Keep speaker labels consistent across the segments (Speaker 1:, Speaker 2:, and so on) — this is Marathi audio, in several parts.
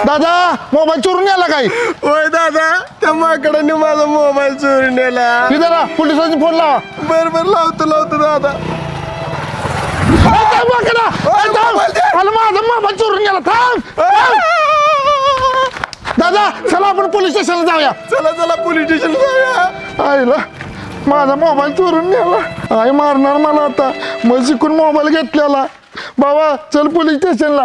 Speaker 1: दादा मोबाईल चोरून नेला काय?
Speaker 2: होय दादा, त्या माकडाने माझा मोबाईल चोरून नेला.
Speaker 1: जरा पोलिसांनी फोन लावा.
Speaker 2: बरोबर लावतो दादा.
Speaker 1: माझा मोबाईल चोरून गेला. थांब दादा, चला आपण पोलीस स्टेशनला जाऊया.
Speaker 2: चला पोलीस स्टेशन जाऊया.
Speaker 1: आईला माझा मोबाईल चोरून नेला. आई मारणार मला आता. मग शिकून मोबाईल घेतलेला. बाबा चल पोलीस स्टेशनला.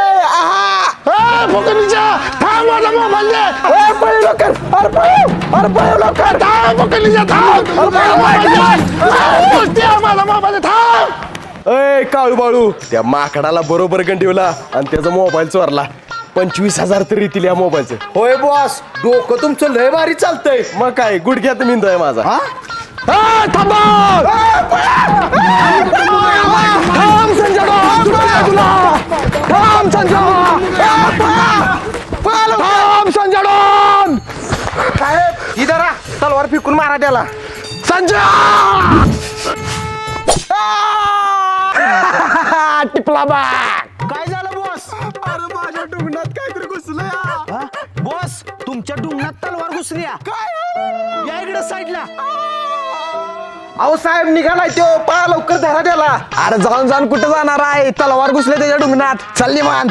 Speaker 1: थांब माझा मोबाईल दे. माझा मोबाईल थांब.
Speaker 2: अय काळू बाळू, त्या माकडाला बरोबर गंडीवला आणि त्याचा मोबाईल चोरला. 25,000 तरी येतील या मोबाईलचं.
Speaker 3: होय बॉस, डोकं तुमचं लय भारी चालतंय.
Speaker 2: मग काय गुडघ्यात मिंदोय माझा.
Speaker 1: थांब संजय, थांब संजय.
Speaker 2: साहेब इधर आ, तलवार फेकून मारा त्याला.
Speaker 1: संजय टिपला बा.
Speaker 3: काय झालं बॉस?
Speaker 2: अरे माझ्या डोंगणात काहीतरी घुसलं.
Speaker 3: बॉस, तुमच्या डुंगणात तलवार घुसली या इकडे साईडला.
Speaker 2: अहो साहेब निघालाय तो, पळा लवकर धरा त्याला.
Speaker 1: अरे जाऊन कुठं जाणार आहे? तलवार घुसले त्याच्या डुंगणात. चालली मान.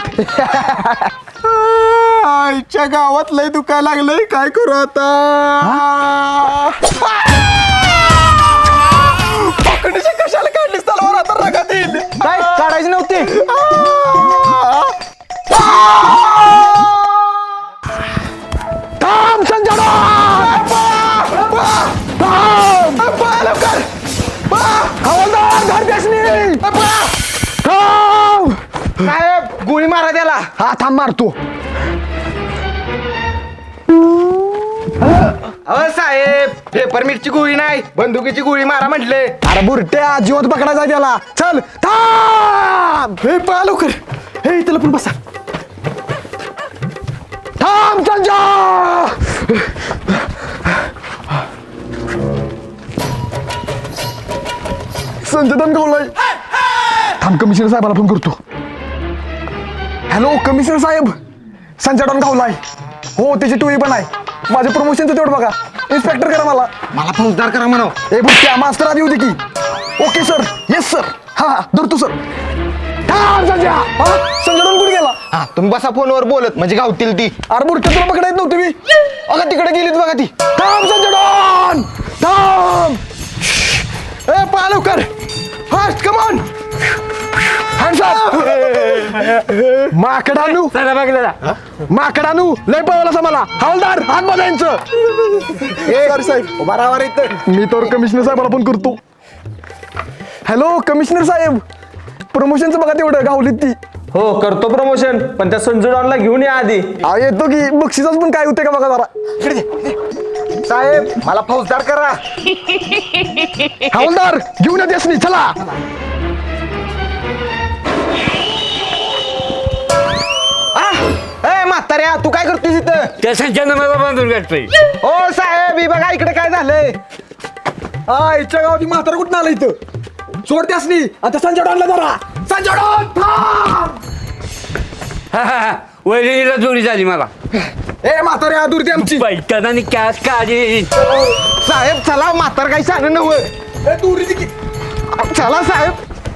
Speaker 2: आईच्या गावात लय दुखायला लागलंय, काय करू आता? पकडीची कशाला काढलीस तलवार? आता रगात येईल.
Speaker 3: काय काढायची नव्हती?
Speaker 1: थांब संजय. हवालदार घरपेशनी. थांब.
Speaker 2: साहेब गोळी मारा त्याला.
Speaker 1: हा थांब मारतो.
Speaker 2: अहो साहेब, पेपर मिरची गोळी नाही, बंदुकीची गोळी मारा म्हटले.
Speaker 1: अरे बुरट्या, जिवंत पकडायचा त्याला. चल थांब.
Speaker 2: हे पळा लवकर. हे इथं पण बसा.
Speaker 1: थांब संजय. संजय दनगावलाय. थांब कमिशनर साहेबाला फोन करतो. हॅलो कमिशनर साहेब, संजय डॉनगावलाय. हो त्याची टोळी पण आहे. माझ्या प्रमोशनचं तेवढं बघा. इन्स्पेक्टर करा मला
Speaker 2: फौजदार करा म्हणा.
Speaker 1: ए बुट्ट्या, मास्टर आधी होती की. Okay sir, yes sir. हा धरतो सर. थांब संजय. संजय डॉन कुठे गेला?
Speaker 2: तुम्ही बसा फोनवर बोलत, म्हणजे गावतील ती.
Speaker 1: अरे बुरट्या, तुला पकडायत नव्हती मी. अगं तिकडे गेलीत बघा ती. थांब संजय डॉन. थांब.
Speaker 2: ए पळा लवकर. Fast come on.
Speaker 1: माकडानू माकडानू लय पळवलं मला. हवालदार हात बघायचं.
Speaker 2: सर साहेब उभा राहा इथं.
Speaker 1: मी तर कमिशनर साहेबाला पण करतो. हॅलो कमिशनर साहेब, प्रमोशनचं बघा तेवढं गावलीत ती.
Speaker 4: हो करतो प्रमोशन, पण त्या संजू डॉनला घेऊन या आधी.
Speaker 1: येतो की. बक्षिसाच पण काय होते का बघा जरा.
Speaker 2: साहेब मला फौजदार करा.
Speaker 1: हवालदार घेऊन येतेस नाही. चला.
Speaker 2: ए म्हाताऱ्या, तू काय करतोस इथं?
Speaker 4: त्या संजयनं मला बांधून गाठतोय.
Speaker 2: ओ साहेब ही बघा इकडे काय झालंय.
Speaker 1: आईच्या गावात म्हातारा कुठं आलं इथं? सोड त्यास नाही. आता संजय डॉनला जरा. संजय डॉन थांब.
Speaker 4: वैरणीला जोडी झाली मला.
Speaker 1: ए म्हाताऱ्या, दूर दे आमची.
Speaker 4: पैठणाने कॅश काढी.
Speaker 2: साहेब चला, म्हातार काही सांग नव्हे.
Speaker 1: दूर दे की.
Speaker 2: चला साहेब.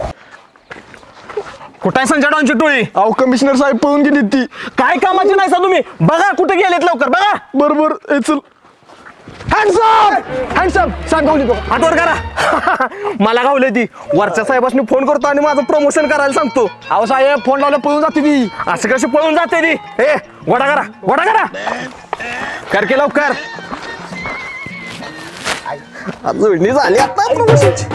Speaker 4: कुठे आहे संजय डॉनची टोळी?
Speaker 1: अहो कमिशनर साहेब पळून गेली ती.
Speaker 4: काय कामाची नाही सा तुम्ही? बघा कुठे गेलेत, लवकर बघा.
Speaker 1: बरोबर. ए चल. हँडसम सांग गावली तो.
Speaker 4: हातवर करा. मला गावले ती. वरच्या साहेबांनी फोन करतो आणि माझं प्रमोशन करायला सांगतो.
Speaker 1: अहो साहेब फोन लावला पळून जाते ती.
Speaker 4: असं कशी पळून जाते ती? ए गोडा करा कर की लवकर.
Speaker 1: जोडणी झाली आता प्रमोशनची.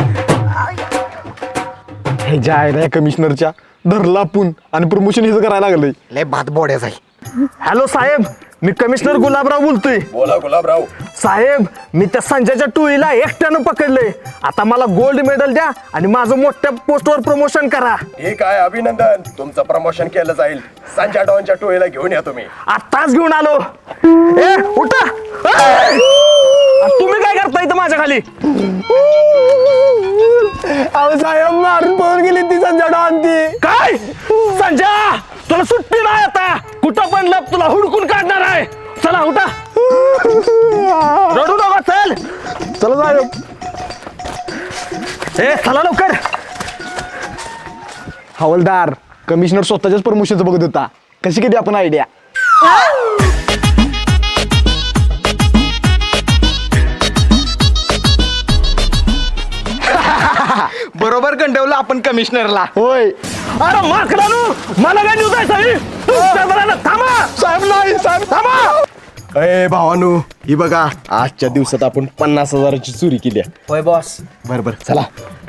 Speaker 1: हे जे आहे ना कमिशनरच्या धरला आपण आणि प्रमोशन हिचं करायला लागलंय.
Speaker 2: लय भात बोड्याच आहे.
Speaker 4: हॅलो साहेब, मी कमिशनर गुलाबराव बोलतोय.
Speaker 2: बोला गुलाबराव.
Speaker 4: साहेब मी त्या संजयच्या टोळीला एकट्यानं पकडलंय. आता मला गोल्ड मेडल द्या आणि माझं मोठ्या पोस्टवर प्रमोशन करा.
Speaker 2: ठीक आहे, अभिनंदन. तुमचं प्रमोशन केलं जाईल. संजय डॉनच्या टोळीला घेऊन या तुम्ही.
Speaker 4: आत्ताच घेऊन आलो. ए उठा. तुम्ही काय करता इथं माझ्या खाली?
Speaker 1: अहो साहेब मारून पळून गेली ती. संजय आणती.
Speaker 4: काय संजय तुला सुट्टी नाही आता कुठं पण लप तुला हुडकून काढणार आहे. चला उठा रडू नका चल.
Speaker 1: चला साहेब.
Speaker 4: ए चला लवकर.
Speaker 1: हवालदार कमिशनर स्वतःच्याच प्रमोशनचं बघत होता. कशी किती आपण आयडिया.
Speaker 3: बरोबर गंडवलं आपण कमिशनरला.
Speaker 1: होय
Speaker 4: अरे माकडानू मला काय न्यूज आहे साहेब. थांबा
Speaker 1: साहेब. नाही साहेब थांबा.
Speaker 2: अय भावानू ही बघा आजच्या दिवसात आपण 50,000ची चोरी केली आहे.
Speaker 3: होय बॉस.
Speaker 2: बरोबर चला.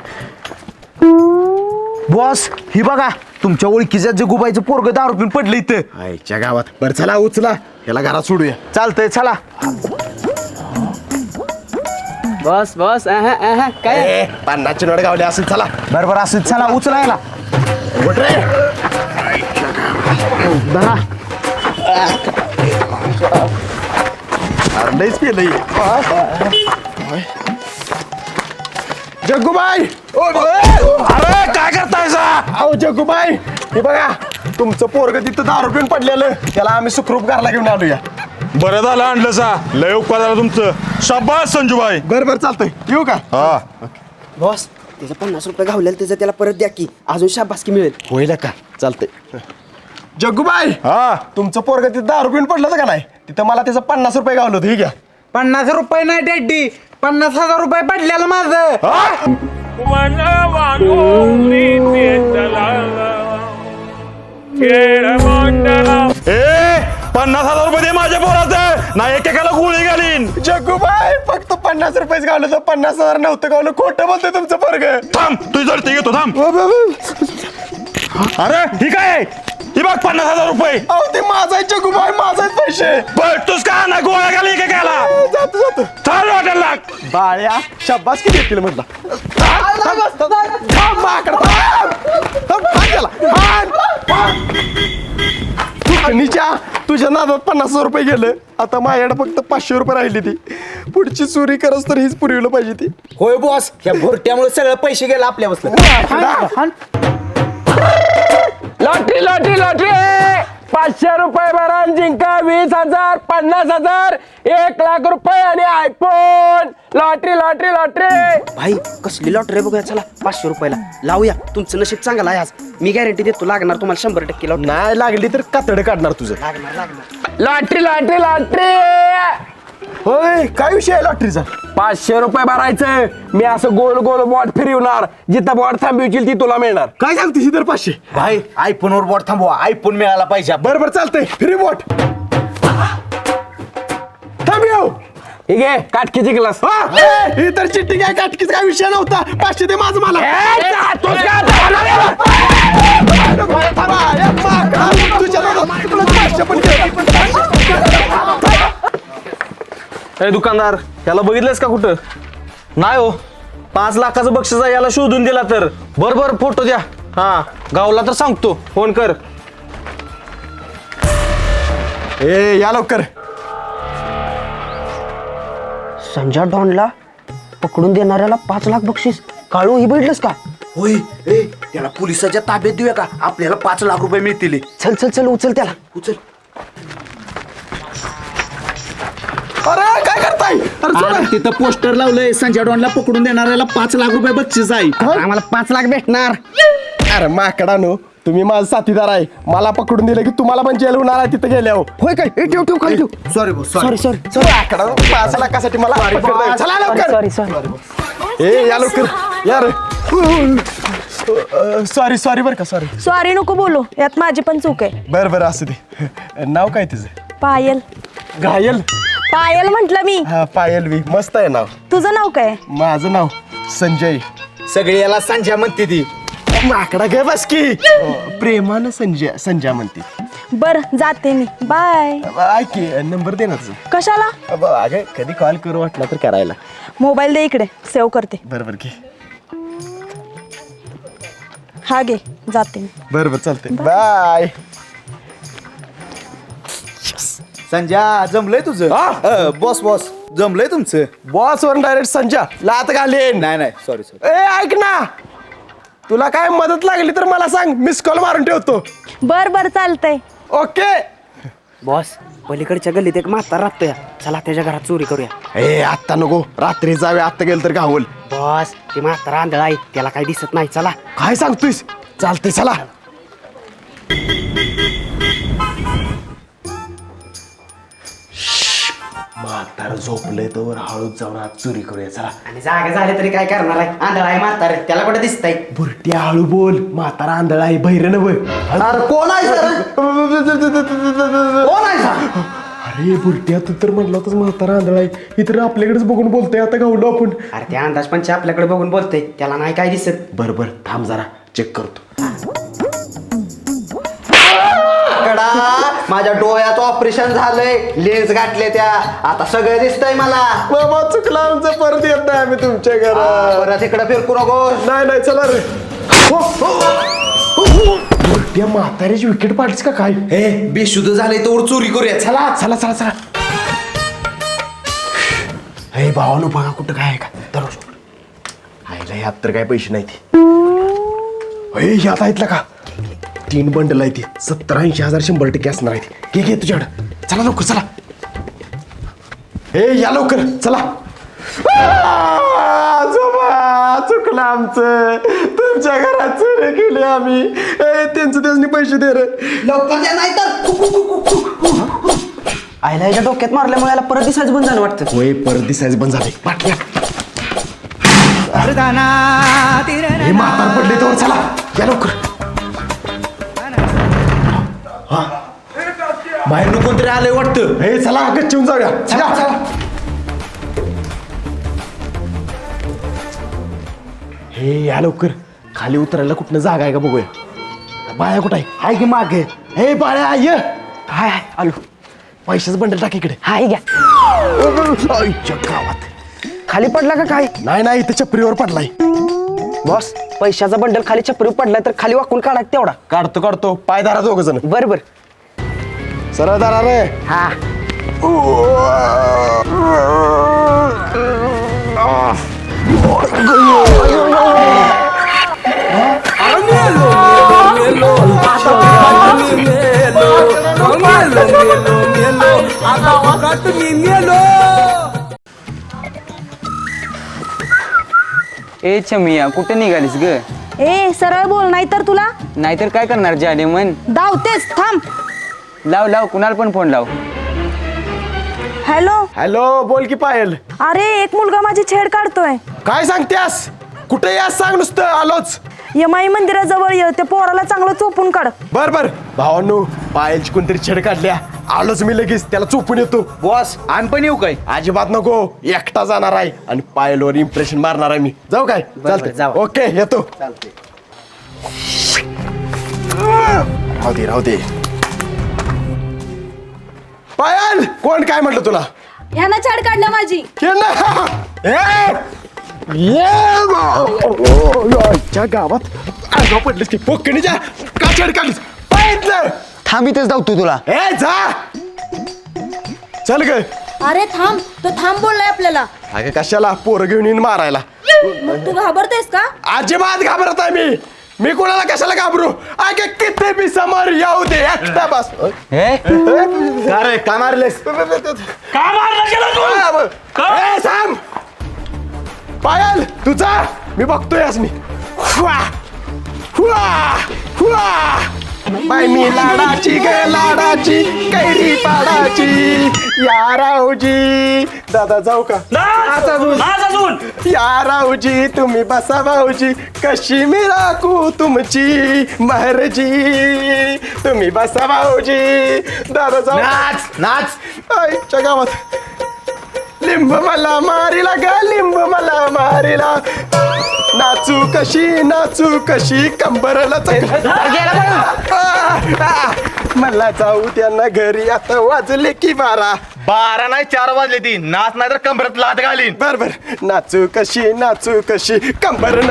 Speaker 3: बॉस ही बघा तुमच्या ओळखीच्या जगुबाईचं पोरग दारू पिऊन पडलं इथं.
Speaker 2: आईच्या गावात. बरं चला उचला याला घरात सोडूया.
Speaker 3: चालतंय चला.
Speaker 5: बस बस काय
Speaker 2: 50ची नोट गावली असेल. चला
Speaker 3: बरोबर असं चला उचलायला.
Speaker 2: उठ रे. अरे लईच पेलंय. जग्गूबाई.
Speaker 4: अरे काय करताय सा.
Speaker 2: अहो जग्गूबाई हे बघा तुमचं पोरग तिथं दारू पिऊन पडलेलं त्याला आम्ही सुखरूप घरला घेऊन आलोया.
Speaker 6: बरं झालं आणलं सा. लय उपकार झाला तुमचं. शाबास संजूबाई.
Speaker 2: बरं चालतंय येऊ का.
Speaker 6: हा
Speaker 5: बॉस त्याचं 50 रुपये घावलेलं त्याचं त्याला परत द्या की अजून शाबासकी मिळेल.
Speaker 2: होईल का. चालतंय. जग्गूबाई
Speaker 6: हा
Speaker 2: तुमचं पोरग तिथं दारू पिऊन पडलं होतं का नाही तिथं मला त्याचं 50 रुपये गावलं होतं. हे घ्या.
Speaker 3: 50 रुपये नाही डॅडी 50,000 रुपये पडलेलं माझं.
Speaker 6: ए 50,000 रुपये दे माझ्या पोराचं नाही एकेकाला गोळी घालीन.
Speaker 2: जग्गूबाई फक्त 50 रुपयेच गावलं तर 50,000 नव्हतं गावलं. खोटं बोलतोय तुमचं पोरग.
Speaker 6: थांब तुझी जडती घेतो थांब. अरे ही काय आहे? ही बघ 50,000 रुपये.
Speaker 2: अहो ते माझा आहे जग्गूबाई माझा आहेत पैसे.
Speaker 6: तूच का ना गोळ्या घाली एकेकाला.
Speaker 2: जातो
Speaker 6: चाल वाटायला लाग.
Speaker 2: बाळ्या शब्बास किती येतील म्हटलं. तुझ्या नादात 50,000 रुपये गेलं. आता माझ्याकडे फक्त 500 रुपये राहिली. ती पुढची चोरी करस तर हीच पुरवलं पाहिजे ती.
Speaker 3: होय बॉस ह्या भोरट्यामुळे सगळं पैसे गेले आपल्या बसलं.
Speaker 4: लॉटरी लॉटरी लॉटरी 500 रुपये भरा जिंका 20,000 50,000 1,00,000 रुपये आणि आयफोन. Lottery lottery lottery.
Speaker 5: भाई कसली लॉटरी बघूया चला 500 रुपयाला लावूया. तुमचं नशीब चांगलं आहे आज. मी गॅरंटी देतो लागणार तुम्हाला 100% लॉटरी.
Speaker 2: नाही लागली तर कातड काढणार तुझं.
Speaker 4: Lottery lottery lottery.
Speaker 2: होय काय विषय आहे लॉटरीचा.
Speaker 4: 500 रुपये भरायचं. मी असं गोल गोल बॉट फिरवणार जिथं बॉट थांबवशील ती तुला मिळणार.
Speaker 2: काय सांगते तर 500.
Speaker 3: भाई आयफोन वर बोट थांबवा. आयफोन मिळाला पाहिजे.
Speaker 2: बरोबर चालतंय. फ्री बोट थांब येऊ.
Speaker 4: ठीक आहे काटकीची ग्लास.
Speaker 2: ही तर चिठ्ठी काय काटकीच काय विषय नव्हता. 500 दे माझं मला. तुझ्या नादात तुला 500 पण
Speaker 4: ए दुकानदार याला बघितलंस का कुठं. नाही हो 5 लाखाचं बक्षीस आहे याला शोधून दिला तर. बरोबर फोटो द्या. हा गावला तर सांगतो फोन कर.
Speaker 2: ए या लवकर.
Speaker 5: संजय डॉनला पकडून देणाऱ्याला 5 लाख बक्षीस. काळू ही बघितलंस का.
Speaker 3: होय त्याला पोलिसाच्या ताब्यात देऊया का आपल्याला 5 लाख रुपये मिळतील.
Speaker 5: चल चल चल उचल त्याला उचल.
Speaker 2: अरे काय करताय.
Speaker 3: तिथं पोस्टर लावलंय संजय डॉनला पकडून देणाऱ्याला 5 लाख रुपये बक्षीस आहे.
Speaker 5: आम्हाला 5 लाख भेटणार.
Speaker 2: अरे माकडानो तुम्ही माझा साथीदार आहे. मला पकडून दिलं की तुम्हाला पण जेल होणार आहे तिथं गेल्यावर.
Speaker 5: होय काय ठेव ठेव खाली ठेव.
Speaker 3: Sorry boss sorry.
Speaker 5: सॉरी
Speaker 2: माकडानो 5 लाखासाठी मला पकडताय. चला लवकर.
Speaker 5: Sorry sorry.
Speaker 2: ए या लवकर यार. सॉरी सॉरी बरं का सॉरी.
Speaker 7: सॉरी नको बोलू यात माझी पण चूक आहे.
Speaker 2: बरं बरं असू दे. नाव काय तुझं.
Speaker 7: पायल.
Speaker 2: घायल.
Speaker 7: पायल म्हंटल मी.
Speaker 2: हा पायल वी मस्त आहे नाव.
Speaker 7: तुझं नाव काय.
Speaker 2: माझं नाव संजय.
Speaker 3: सगळी याला संजय म्हणते ती.
Speaker 2: माकडा गे बस की. प्रेमानं संजय संजय म्हणते.
Speaker 7: बर जाते मी बाय.
Speaker 2: ऐक की नंबर दे ना तुझं.
Speaker 7: कशाला.
Speaker 2: अगं कधी कॉल करू वाटला तर करायला.
Speaker 7: मोबाईल दे इकडे सेव्ह करते.
Speaker 2: बरोबर की.
Speaker 7: हा घे जाते मी.
Speaker 2: बरोबर चालतंय बाय.
Speaker 3: संजय जमलंय तुझं. बॉस बॉस जमलंय तुमचं.
Speaker 2: बॉस वर डायरेक्ट संजय लात घालेन.
Speaker 3: नाही नाही सॉरी सॉरी.
Speaker 2: ए ऐक ना तुला काय मदत लागली तर मला सांग, मिस कॉल मारून ठेवतो.
Speaker 7: बर बर चालतंय.
Speaker 2: ओके.
Speaker 5: बॉस पलीकडच्या गल्लीत एक म्हातारा राहतोय, चला त्याच्या घरात चोरी करूया.
Speaker 2: ए आत्ता नको, रात्री जावे, आत्ता गेलं तर गावल.
Speaker 5: बॉस ते म्हातारा आंधळा आहे, त्याला काही दिसत नाही. चला.
Speaker 2: काय सांगतोयस? चालतंय चला. म्हातार झोपलंय तर हळूच जाऊन आज चोरी करूया. चला.
Speaker 5: आणि जागा झाले तरी काय करणार आहे, आंधळा आहे म्हातारा, त्याला कुठे दिसतंय.
Speaker 2: बुरट्या हळू बोल, म्हातारा आंधळा आहे, बहिर नव.
Speaker 3: अरे कोण आहे सर? कोण आहे सर?
Speaker 2: अरे बुरट्या, तू तर म्हटलं होतंस म्हातारा आंधळा आहे, ही तर आपल्याकडेच बघून बोलतोय. आता गावलो आपण.
Speaker 5: अरे त्या अंदाज पंच आपल्याकडे बघून बोलतोय, त्याला नाही काय दिसत.
Speaker 2: बरोबर, थांब जरा चेक करतो.
Speaker 3: माझ्या डोळ्याचं ऑपरेशन झालंय, लेन्स गाठले त्या, आता सगळं दिसतंय मला.
Speaker 2: बाबा चुकला आमचं, परत येत नाही आम्ही तुमच्या घरात.
Speaker 3: परत इकडे फिरकू नको.
Speaker 2: नाही नाही, चला रे. बुरट्या, म्हाताऱ्याची विकेट पाडलीस का काय?
Speaker 3: हे बेशुद्ध झालंय तर चोरी करूया.
Speaker 2: चला चला चला चला. हे भावानो, बघा कुठं काय आहे का? दररोज आईला ह्यात तर काय पैसे नाही ते. ह्यात आहेत का? 3 बंडल आहे ते, 70-80 हजार 100% असणार आहे. घे तुझ्याकडं. चला लवकर चला. हे या लवकर चला. आजोबा, चुकलं आमचं, तुमच्या घरात चोरी केली आम्ही. त्यांचं त्यांनी पैसे दे रे.
Speaker 3: लवकर द्या, नाही तर
Speaker 5: आईला याच्या डोक्यात मारल्यामुळे याला परत दिसायचं बंद झालं वाटतं.
Speaker 2: होय, परत दिसायचं बंद झाले. बाटल्या हे म्हातार पडले तर चला या लवकर.
Speaker 3: बाहेर कोणतरी आलंय वाटतं.
Speaker 2: हे चला गच्चून जाऊया. चला चला. हे या लवकर. खाली उतरायला कुठनं जागा आहे का बघूया. बाळ्या कुठं आहे? हाय की मागे. हे बाळ्या ये.
Speaker 5: हाय हाय आलो.
Speaker 2: पैशाचं बंडल टाक इकडे.
Speaker 5: हाय घ्या.
Speaker 2: आईच्या गावात.
Speaker 5: खाली पडला का काय?
Speaker 2: नाही नाही, इथे चपरीवर पडलाय.
Speaker 5: बॉस पैशाचा बंडल खाली चपरी पडलाय तर खाली वाकून काढा तेवढा.
Speaker 2: काढतो काढतो. पाय धरा दोघ जण.
Speaker 5: बर बर.
Speaker 2: सरळ धरा रे.
Speaker 5: हा.
Speaker 8: ए छमिया कुठे निघालीस ग?
Speaker 7: ए सरळ बोल, नाही तर तुला
Speaker 8: नाहीतर काय करणार जाने मन.
Speaker 7: धावतेस. थांब.
Speaker 8: लाव लाव, कुणाला पण फोन लाव.
Speaker 7: हॅलो.
Speaker 2: हॅलो, बोल की पायल.
Speaker 7: अरे एक मुलगा माझी छेड काढतोय.
Speaker 2: काय सांगतेस? कुठे यास सांग, नुसतं आलोच.
Speaker 7: यमाई मंदिराजवळ ये, त्या पोराला चांगलं चोपून काढ.
Speaker 2: बर बर भावांनो, पायलची कोणतरी छेड काढल्या, आलोच मी लगेच, त्याला चोपून येतो.
Speaker 3: बॉस आण पण येऊ काय?
Speaker 2: अजिबात नको, एकटा जाणार आहे आणि पायलवर इम्प्रेशन मारणार आहे मी. जाऊ काय? चालतंय.
Speaker 5: जाऊ.
Speaker 2: ओके, येतो. राहू दे राहू दे. पायल, कोण काय म्हटलं तुला?
Speaker 7: ह्यानं छेड काढल्या माझी.
Speaker 2: ये ना. आजच्या गावात आगाव पडलीस की पोकणीच्या का छेड काढलीस? पाहिजे
Speaker 3: थांबितच धावतो तुला.
Speaker 2: ए जा. चल ग.
Speaker 7: अरे थांब, तो थांब बोललाय आपल्याला.
Speaker 2: अगं कशाला? पोरं घेऊन येईन मारायला.
Speaker 7: मग तू घाबरतेस का?
Speaker 2: अजिबात घाबरत आहे मी कोणाला कशाला घाबरू? अगे किती बी समोर येऊ दे, एकटा बस.
Speaker 3: का रे, का मारलेस?
Speaker 6: का मारला गेला तू?
Speaker 2: थांब. पायल तुझा मी बघतोय आज मी. हुआ, हुआ, हुआ. बाय मी लाडाची ग लाडाची, कैरी पाडाची. या राऊजी. दादा जाऊ का? या राऊजी, तुम्ही बसा भाऊजी, कशी मी राखू तुमची महरजी. तुम्ही बसा भाऊजी. दादा जाऊ.
Speaker 3: नाच नाच.
Speaker 2: आईच्या गावात लिंब मला मारिला ग, लिंब मला मारिला. नाचू कशी कंबरला मला जाऊ त्यांना घरी, आता वाजले की 12.
Speaker 6: 12 नाही 4 वाजले ती. नाच नाही तर कमरत लात घालीन.
Speaker 2: बर नाचू कशी कंबर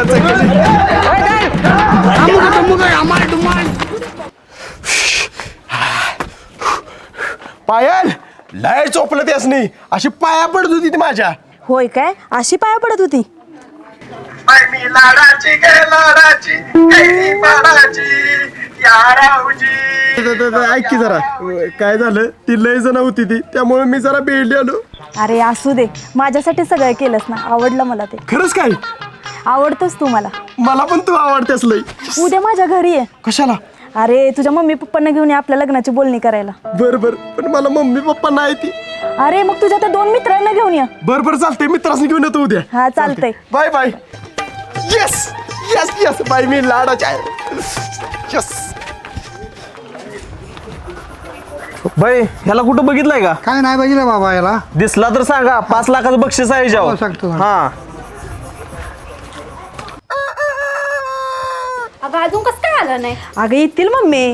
Speaker 2: पायल, लय चोपलं त्यासनी, अशी पाया पडत होती ती माझ्या.
Speaker 7: होय काय? अशी पाया पडत होती.
Speaker 2: बाई मी लाडाची गे लाडाची कैरी पाडाची या राऊजी. ऐक की जरा काय झालं ती लय जण होती ती त्यामुळे मी जरा बेडली आलो.
Speaker 7: अरे असू दे, माझ्यासाठी सगळं केलंस ना, आवडलं मला ते.
Speaker 2: खरंच काय
Speaker 7: आवडतोस तू मला.
Speaker 2: मला पण तू आवडतेस लय.
Speaker 7: उद्या माझ्या घरी आहे.
Speaker 2: कशाला?
Speaker 7: अरे तुझ्या मम्मी पप्पांना घेऊन ये आपल्या लग्नाची बोलणी करायला.
Speaker 2: बर बर पण मला मम्मी पप्पा नाही ती.
Speaker 7: अरे मग तुझ्या त्या 2 मित्रांना घेऊन ये.
Speaker 2: बर बर चालतंय मित्रांनी घेऊन येतो उद्या.
Speaker 7: हा चालतंय.
Speaker 2: Bye bye. Yes yes yes bye मी लाडाची आहे. येस.
Speaker 4: बाई ह्याला कुठं बघितलंय का?
Speaker 3: काय नाही बघितलं बाबा याला.
Speaker 4: दिसला तर सांगा, 5 लाखाचं बक्षीस आहे
Speaker 3: हो,
Speaker 4: जाऊ.
Speaker 3: सांगतो.
Speaker 4: हा
Speaker 9: अगं अजून कसं काय आलं नाही?
Speaker 7: अगं येतील मम्मी.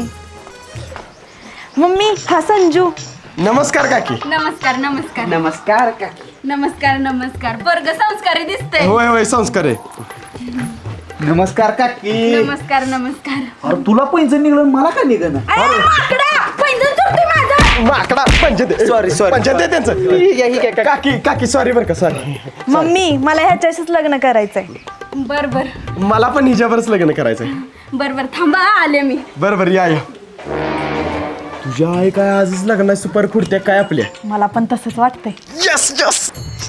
Speaker 7: मम्मी हा संजू.
Speaker 2: नमस्कार काकी.
Speaker 9: नमस्कार नमस्कार
Speaker 5: नमस्कार का
Speaker 9: नमस्कार नमस्कार. वर्ग संस्कारी दिसते.
Speaker 2: होय होय संस्कार आहे.
Speaker 5: नमस्कार काकी.
Speaker 9: नमस्कार नमस्कार.
Speaker 3: अरे तुला पैंजण निघलं मला का निघणं?
Speaker 9: अरे माकडा, पैंजण तुटते माझं.
Speaker 2: माकडा पंचायत
Speaker 5: Sorry, sorry.
Speaker 2: पंचायत आहे त्यांचं. काकी काकी सॉरी बरं का सॉरी.
Speaker 7: मम्मी मला ह्याच्याशीच लग्न करायचंय.
Speaker 9: बर बर
Speaker 2: मला पण हिच्यावरच लग्न करायचंय.
Speaker 9: बर बर थांबा आले मी.
Speaker 2: बरं बरं या या. तुझ्या आई काय आजच लग्नात सुपर खुडत्या काय आपल्या.
Speaker 7: मला पण तसंच वाटतंय.
Speaker 2: Yes yes.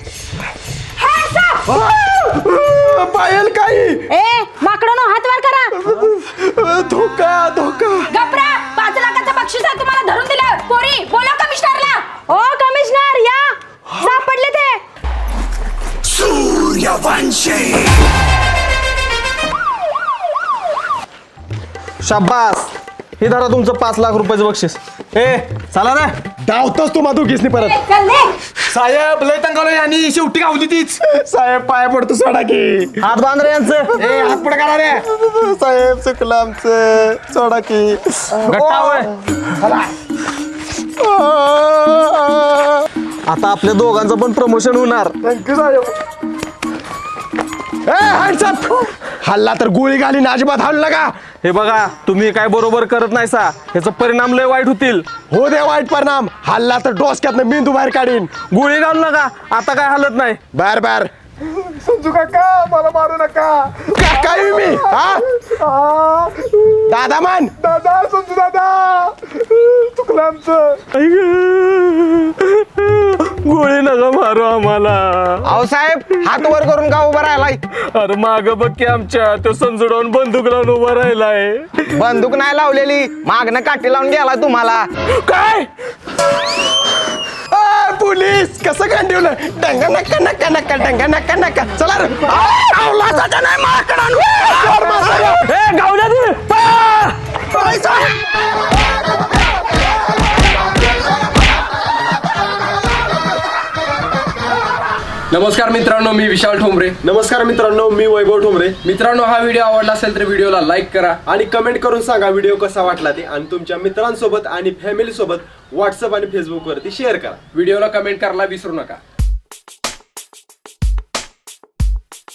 Speaker 2: पायल काही
Speaker 9: ए माकडानो हात वर करा.
Speaker 2: धोका धोका.
Speaker 9: गपरा, 5 लाखाचं बक्षीस आहे तुम्हाला धरून दिलं. पोरी बोला कमिशनरला.
Speaker 7: ओ कमिशनर या, सापडले ते.
Speaker 4: शाबास, हे धरा तुमचं 5 लाख रुपयाचं बक्षीस. ए चला रे.
Speaker 2: धावतोस तू माधुकीसनी परत.
Speaker 9: चल ले.
Speaker 1: साहेब लय तंगालो आणि शेवटी गावली तीच.
Speaker 2: साहेब पाय पडतो सोडा की.
Speaker 4: हात बांध रे यांचं.
Speaker 1: ए हात पुढे करा रे.
Speaker 2: साहेब चुकलं आमचं सोडा की.
Speaker 4: गट्टा होय. आता आपल्या दोघांचं पण प्रमोशन होणार.
Speaker 2: थँक्यू साहेब. Hands up. हल्ला तर गोळी घालीन अजिबात हल्ला नका.
Speaker 4: हे बघा, तुम्ही काय बरोबर करत नाही सा, ह्याचा परिणाम लय वाईट होतील.
Speaker 2: हो दे वाईट परिणाम. हल्ला तर डोसक्यातनं मेंदू बाहेर काढीन.
Speaker 4: गोळी घालू नका, आता काय हालत नाही.
Speaker 2: बर बर. समजू काका मला मारू नका. काय मी हा दादा मान दादा समजू दादा चुकलं आमचं.
Speaker 4: गोळी नका मारू आम्हाला.
Speaker 8: अहो साहेब हात वर करून का उभा राहिलाय?
Speaker 4: अरे माग बघ की आमच्या तो संजुडावून बंदूक लावून उभा राहिलाय.
Speaker 8: बंदूक नाही लावलेली, मागणं काठी लावून गेला तुम्हाला.
Speaker 2: काय पोलीस कसं कांदिवलं. डंगा नक्का नक्का नक्का डंगा नक्का नक्का. चला रे. नाही माकडांनो.
Speaker 4: ए गावल्या तू.
Speaker 10: नमस्कार मित्रांनो, मी विशाल ठोंबरे.
Speaker 2: नमस्कार मित्रांनो मी वैभव ठोंबरे.
Speaker 10: मित्रांनो, हा व्हिडिओ आवडला असेल तर व्हिडिओला लाईक करा
Speaker 2: आणि कमेंट करून सांगा व्हिडिओ कसा वाटला ते. आणि तुमच्या मित्रांसोबत आणि फॅमिली सोबत व्हॉट्सअप आणि फेसबुक वरती शेअर करा.
Speaker 10: व्हिडिओला कमेंट करायला विसरू नका.